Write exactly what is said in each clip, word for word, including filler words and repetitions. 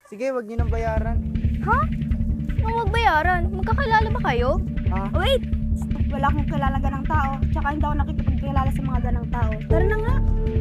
Sige, wag niyo nang bayaran. Ha? Nung wag bayaran? Magkakilala ba kayo? Ah, Wait! Wala akong kilala ganang tao. Tsaka hindi ako nakikipagkilala sa mga ganang tao. Tara na nga.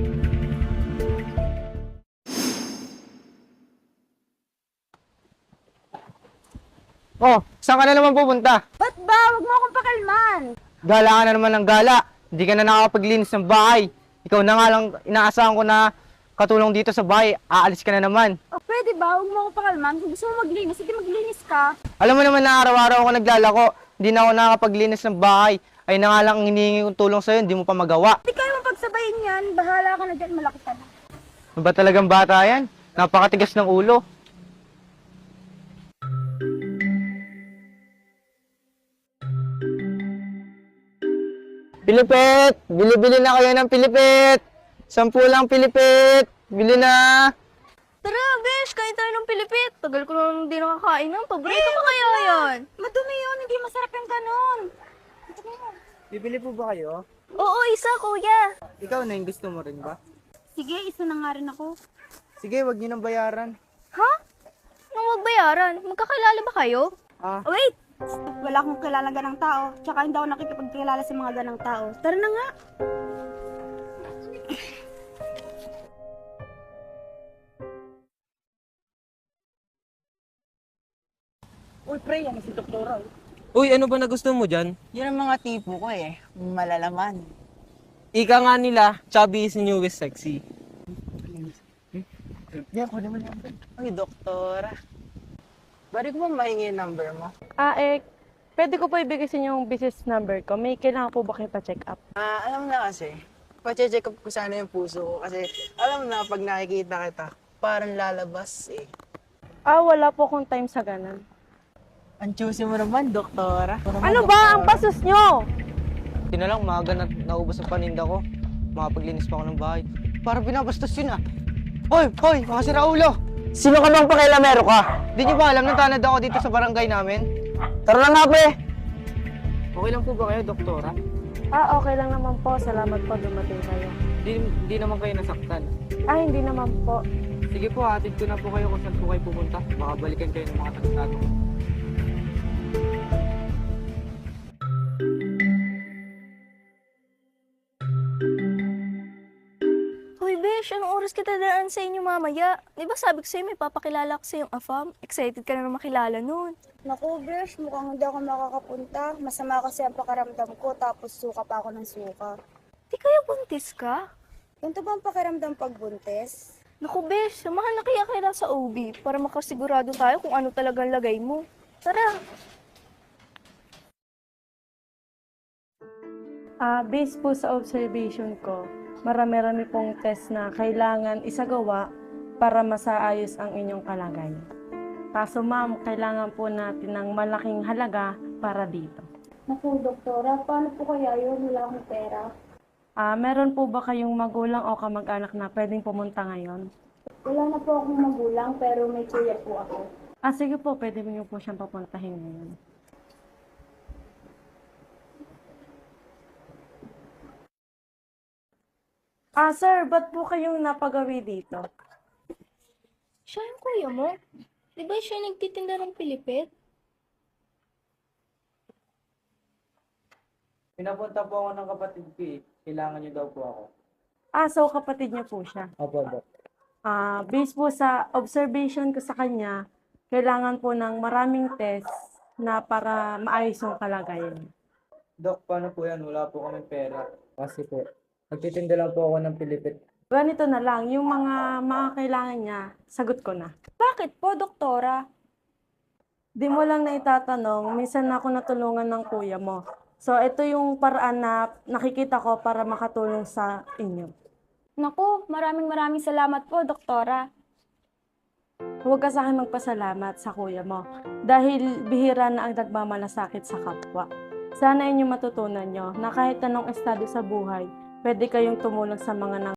oh, saan ka na naman pupunta? Ba't ba? Huwag mo akong pakalman. Gala ka na naman ng gala. Hindi ka na nakakapaglinis ng bahay. Ikaw na nga lang inaasahan ko na katulong dito sa bahay. Aalis ka na naman. O pwede ba? Huwag mo akong pakalman. Kung gusto mo maglinis, sige maglinis ka. Alam mo naman na araw-araw ako naglalako. Hindi na ako nakakapaglinis ng bahay. Ay na nga lang ang hinihingi kong tulong sa'yo, hindi mo pa magawa. Hindi kayo mapagsabayin yan. Bahala ka na dyan. Malaki ka na. Ano ba talagang bata yan? Napakatigas ng ulo. Pilipit! Bili-bili na kayo ng pilipit! Sampu lang pilipit! Bili na! Tara, besh, kain tayo ng Pilipit. Tagal ko nang hindi nakakain ng. Paborito ko kaya yan. Madumi yun. Hindi masarap yung ganon. Bibili po ba kayo? Oo, isa, kuya. Ikaw na yung gusto mo rin ba? Sige, isa na nga rin ako. Sige, wag niyo nang bayaran. Ha? Nung wag bayaran? Magkakilala ba kayo? Ah, Wait! Wala akong kilala ganang tao. Tsaka hindi ako nakikipagkilala sa mga ganang tao. Tara na nga. uy pre, yan si Doktora. Uy, ano ba nagustuhan mo dyan? Yun ang mga tipo ko eh. Malalaman. Ika nga nila, chubby is the newest sexy. Yan, kunin mo naman. Uy, doktora. Bari ko ba mahingi yung number mo? Ah, eh, pwede ko po ibigay sa inyo yung business number ko. May kailangan po ba kayo pa-check up? Ah, alam mo na kasi. Pache-check up ko sana yung puso ko. Kasi alam mo na, pag nakikita kita, parang lalabas eh. Ah, wala po akong time sa ganun. Ang choosy mo naman, doktora. Ano ba ang pasos nyo? Hindi na lang, maaga na naubos ang paninda ko. Makapaglinis pa ako ng bahay. Para binabastos yun ah. Hoy, hoy, mga siraulo! Sino ka bang pakialamero ka? Di niyo ba alam na tanad ako dito sa barangay namin? Tara na nga, pre! Okay lang po ba kayo, Doktora? Ah, okay lang naman po. Salamat po dumating kayo. Di, di naman kayo nasaktan. Ah, hindi naman po. Sige po, hatid ko na po kayo kung saan po kayo pupunta. Baka balikan kayo ng mga tarantado. Hoy, besh, anong oras kita daan sa inyo mamaya? Di ba sabi ko sa'yo may papakilala ko sa yung afam? Excited ka na na makilala nun. Naku, Besh, mukhang hindi ako makakapunta. Masama kasi ang pakiramdam ko, tapos suka pa ako ng suka. Di kaya buntis ka? Ganito ba ang pakiramdam pag buntis? Naku, besh, samahan na kaya kaya sa O B para makasigurado tayo kung ano talagang lagay mo. Tara. Ah, based po sa observation ko, marami-rami pong test na kailangan isagawa para masaayos ang inyong kalagayan. Kaso ma'am, kailangan po natin ng malaking halaga para dito. Naku, doktora, paano po kaya yun? Wala akong pera. Ah, meron po ba kayong magulang o kamag-anak na pwedeng pumunta ngayon? Wala na po akong magulang, pero may kuya po ako. Ah, sige po, pwede mo niyo po siyang papuntahin ngayon. Ah, sir, ba't po kayong napagawi dito? Siya yung kuya mo? Di ba siya yung nagtitinda ng Pilipit? Pinapunta po ako ng kapatid ko eh. Kailangan niyo daw po ako. Ah, so kapatid niyo po siya. Opo, Dok. Ah, based po sa observation ko sa kanya, kailangan po ng maraming test na para maayos yung kalagayan. Dok, paano po yan? Wala po kami pera. Kasi po, nagtitinda lang po ako ng pilipit. Ganito na lang, yung mga mga kailangan niya, sagot ko na. Bakit po, doktora? Di mo lang na itatanong, minsan na ako natulungan ng kuya mo. So, ito yung paraan na nakikita ko para makatulong sa inyo. Naku, maraming maraming salamat po, doktora. Huwag ka sa akin magpasalamat sa kuya mo dahil bihira na ang nagmamalasakit sa kapwa. Sana inyo matutunan nyo na kahit anong estado sa buhay, pwede kayong tumulong sa mga nang